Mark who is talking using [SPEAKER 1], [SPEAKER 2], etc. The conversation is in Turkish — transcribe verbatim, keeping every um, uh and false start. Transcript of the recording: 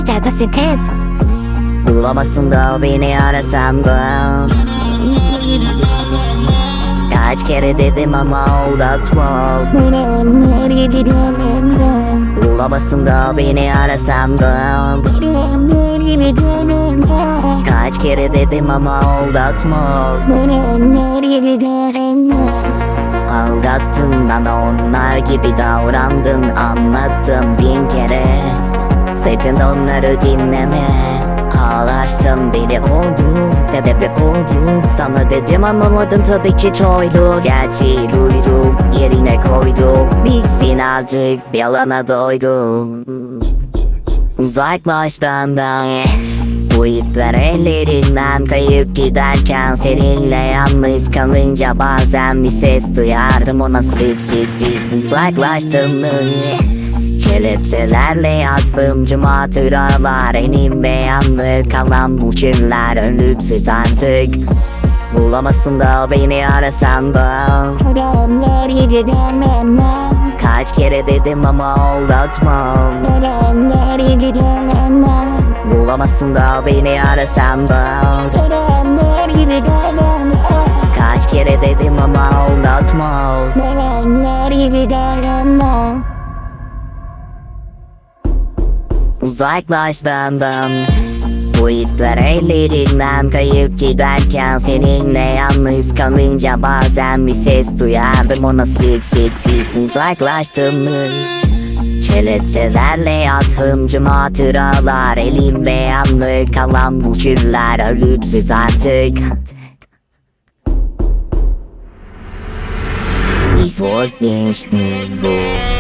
[SPEAKER 1] Neredesin kız?
[SPEAKER 2] Bulamazsın da beni arasam da. Kaç kere dedim ama aldatma.
[SPEAKER 1] Nereye gidelim?
[SPEAKER 2] Bulamazsın da beni arasam da.
[SPEAKER 1] Nereye gidelim?
[SPEAKER 2] Kaç kere dedim ama aldatma.
[SPEAKER 1] Nereye gidelim?
[SPEAKER 2] Aldattın bana, onlar gibi davrandın, anlattım bin kere. Sakın onları dinleme. Ağlarsın deli oldum, sebebi oldum. Sana dedim anlamadın, tabii ki çoydu. Gerçeği duydum, yerine koydum. Bitsin artık, bir alana doydum. Uzaklaş benden. Bu ipler ellerinden kayıp giderken, seninle yalnız kalınca bazen bir ses duyardım, ona sık sık sık. Uzaklaştın mı? Kelepçelerle yazdım tüm hatıralar, enim ve yanlı kalan bu kirler ölümsüz artık. Bulamazsın da beni arasan da.
[SPEAKER 1] Nereye gidelim?
[SPEAKER 2] Kaç kere dedim ama aldatmam.
[SPEAKER 1] Nereye gidelim?
[SPEAKER 2] Bulamazsın da beni arasan da.
[SPEAKER 1] Nereye gidelim?
[SPEAKER 2] Kaç kere dedim ama aldatmam.
[SPEAKER 1] Nereye gidelim?
[SPEAKER 2] Uzaklaş benden. Bu ipler ellerinden kayıp giderken, seninle yalnız kalınca bazen bir ses duyardım, ona sık sık sık. Uzaklaştın mı? Kelepçelerle yazdım tüm hatıralar, elimde yanlı kalan bu kirler ölümsüz artık. Zor geçti bu.